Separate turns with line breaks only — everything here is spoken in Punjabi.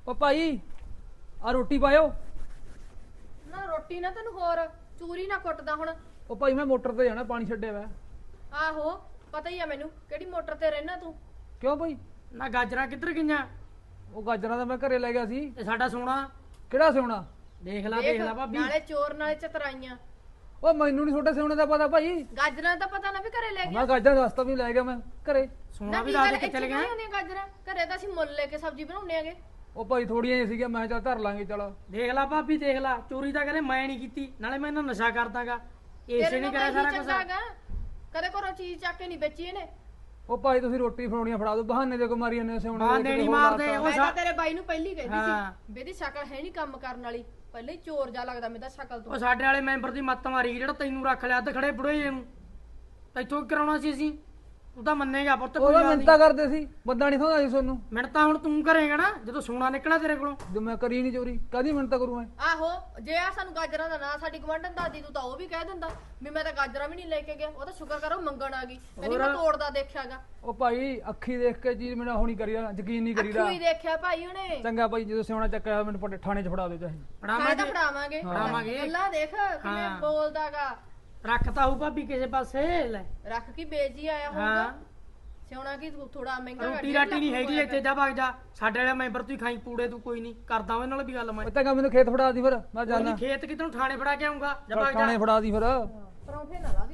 ਓ ਭਾਈ ਆ ਰੋਟੀ ਪਾਇਓ।
ਨਾ ਰੋਟੀ ਨਾ ਤੈਨੂੰ ਹੋਰ ਚੂਰੀ ਨਾ ਕੁੱਟਦਾ ਹੁਣ।
ਓ ਭਾਈ ਮੈਂ ਮੋਟਰ ਤੇ ਜਾਣਾ, ਪਾਣੀ ਛੱਡਿਆ ਵਾ।
ਆਹੋ ਪਤਾ ਹੀ ਆ ਮੈਨੂੰ ਕਿਹੜੀ ਮੋਟਰ ਤੇ ਰਹਿਣਾ ਤੂੰ।
ਕਿਉਂ ਭਾਈ?
ਨਾ ਗਾਜਰਾਂ ਕਿੱਧਰ ਗਈਆਂ?
ਉਹ ਗਾਜਰਾਂ ਤਾਂ ਮੈਂ ਘਰੇ ਲੈ ਗਿਆ ਸੀ।
ਤੇ ਸਾਡਾ ਸੋਨਾ
ਕਿਹੜਾ ਸਿਉਣਾ?
ਦੇਖ ਲੈ ਭਾਬੀ।
ਨਾਲੇ ਚੋਰ ਨਾਲੇ ਚਤਰਾਈਆਂ।
ਓ ਮੈਨੂੰ ਨਹੀਂ ਛੋਟੇ ਸਿਉਣੇ ਦਾ ਪਤਾ ਭਾਈ।
ਗਾਜਰਾਂ ਦਾ ਪਤਾ ਨਾ ਵੀ ਘਰੇ ਲੈ ਗਿਆ।
ਮੈਂ ਗਾਜਰਾਂ ਦਾ ਰਸਤਾ ਵੀ ਲੈ ਗਿਆ ਮੈਂ ਘਰੇ।
ਸੋਨਾ ਵੀ ਲਾ ਦੇ ਕੇ ਚਲੇ ਗਿਆ।
ਗਾਜਰਾਂ ਘਰੇ ਤਾਂ ਅਸੀਂ ਮੁੱਲ ਲੈ ਕੇ ਸਬਜ਼ੀ ਬਣਾਉਣੇ ਆਗੇ।
ਉਹ ਭਾਈ ਥੋੜੀਆਂ ਹੀ ਸੀਗੀਆਂ, ਮੈਂ ਚੱਲ ਧਰ ਲਾਂਗੇ। ਚਲ
ਦੇਖ ਲੈ ਭਾਬੀ ਦੇਖ ਲੈ, ਚੋਰੀ ਤਾਂ ਕਦੇ ਮੈਂ ਨਹੀਂ ਕੀਤੀ, ਨਾਲੇ ਮੈਂ ਇਹਨਾਂ ਨਸ਼ਾ ਕਰਦਾਗਾ। ਇਸੇ ਨੇ ਕਰਿਆ ਸਾਰਾ ਕੁਝ।
ਕਦੇ ਘਰੋਂ ਚੀਜ਼ ਚੱਕ ਕੇ ਨਹੀਂ ਵੇਚੀ ਇਹਨੇ।
ਉਹ ਭਾਈ ਤੁਸੀਂ ਰੋਟੀ ਫੜਾਉਣੀਆਂ ਫੜਾ ਦਿਓ, ਬਹਾਨੇ ਦੇ ਕੋ ਮਾਰੀ ਜਾਂਦੇ ਸਿਉਣੇ।
ਬਹਾਨੇ ਨਹੀਂ ਮਾਰਦੇ।
ਮੈਂ ਤਾਂ ਤੇਰੇ ਬਾਈ ਨੂੰ ਪਹਿਲੀ ਕਹਿੰਦੀ
ਹਾਂ।
ਸੀ ਬੇਦੀ ਸ਼ਕਲ ਹੈ ਨਹੀਂ ਕੰਮ ਕਰਨ ਵਾਲੀ, ਪਹਿਲੇ ਹੀ ਚੋਰ ਜਾ ਲੱਗਦਾ ਮੇਰਾ ਸ਼ਕਲ ਤੋਂ।
ਉਹ ਸਾਡੇ ਵਾਲੇ ਮੈਂਬਰ ਦੀ ਮੱਤ ਮਾਰੀ ਜਿਹੜਾ ਤੈਨੂੰ ਰੱਖ ਲਿਆ ਅੱਧ ਖੜੇ ਬੁੜੇ ਨੂੰ। ਤੈਥੋਂ ਕਰਾਉਣਾ ਸੀ ਅਸੀਂ? ਤੂੰ ਤਾਂ ਮੰਨੇਗਾ ਪੁੱਤ।
ਉਹ ਤਾਂ ਮਿੰਤਾ ਕਰਦੇ ਸੀ, ਬੰਦਾ ਨਹੀਂ ਥੋੜਾ ਸੀ ਤੁਹਾਨੂੰ।
ਮਿੰਟਾਂ ਹੁਣ ਤੂੰ ਕਰੇਗਾ ਨਾ ਜਦੋਂ ਸੋਨਾ ਨਿਕਲਿਆ ਤੇਰੇ ਕੋਲੋਂ।
ਜੋ ਮੈਂ ਕਰੀ ਨਹੀਂ ਚੋਰੀ, ਕਾਹਦੀ ਮਿੰਤਾ ਕਰੂ ਮੈਂ?
ਆਹੋ ਜੇ ਆ ਸਾਨੂੰ ਗਾਜਰਾਂ ਦਾ ਨਾ ਸਾਡੀ ਗਵੰਡਨ ਦਾਦੀ ਤੂੰ ਤਾਂ ਉਹ ਵੀ ਕਹਿ ਦਿੰਦਾ ਵੀ ਮੈਂ ਤਾਂ ਗਾਜਰਾਂ ਵੀ ਨਹੀਂ ਲੈ ਕੇ ਗਿਆ। ਉਹ ਤਾਂ ਸ਼ੁਕਰ ਕਰੋ ਮੰਗਣ ਆ ਗਈ, ਕਹਿੰਦੀ ਮੈਂ ਤੋੜਦਾ ਦੇਖਿਆਗਾ।
ਉਹ ਭਾਈ ਅੱਖੀ ਦੇਖ ਕੇ ਚੀਜ਼ ਮੈਨੂੰ ਹੋਣੀ ਕਰੀਦਾ, ਯਕੀਨ ਨਹੀਂ ਕਰੀਦਾ।
ਅੱਖੀ ਦੇਖਿਆ ਭਾਈ ਉਹਨੇ।
ਚੰਗਾ ਭਾਈ ਜਦੋਂ ਸਿਉਣਾ ਚੱਕਿਆ ਮੈਨੂੰ ਪੱਟੇ ਥਾਣੇ 'ਚ ਫੜਾ ਦਿਓ ਚਾਹੇ।
ਫੜਾਵਾਂਗੇ
ਫੜਾਵਾਂਗੇ।
ਅੱਲਾ ਦੇਖ ਕਿਵੇਂ ਬੋਲਦਾਗਾ।
ਰੱਖਤਾ ਹੂ ਭਾਬੀ ਕਿਸੇ ਪਾਸੇ ਲੈ।
ਰੱਖ ਕੀ ਬੇਜੀ ਆਇਆ ਹੋਊਗਾ। ਸਿਉਣਾ ਕੀ ਥੋੜਾ ਮਹਿੰਗਾ
ਰੋਟੀ ਰਾਟੀ ਨਹੀਂ ਹੈਗੀ ਇੱਥੇ, ਜਾ ਭੱਗ ਜਾ। ਸਾਡੇ ਵਾਲੇ ਮੈਂਬਰ ਤੂੰ ਖਾਈ ਪੂੜੇ, ਤੂੰ ਕੋਈ ਨਹੀਂ ਕਰਦਾ ਉਹਦੇ ਨਾਲ ਵੀ ਗੱਲ। ਮੈਂ
ਚੰਗਾ ਮੈਨੂੰ ਖੇਤ ਫੜਾ ਦੀ ਫਿਰ, ਮੈਂ ਜਾਣਾ।
ਖੇਤ ਕਿਤੋਂ ਥਾਣੇ ਫੜਾ ਕੇ ਆਉਂਗਾ। ਜਾ ਭੱਗ ਜਾ।
ਥਾਣੇ ਫੜਾ ਦੀ ਫਿਰ।
ਪਰੌਂਠੇ ਨਾ ਲਾ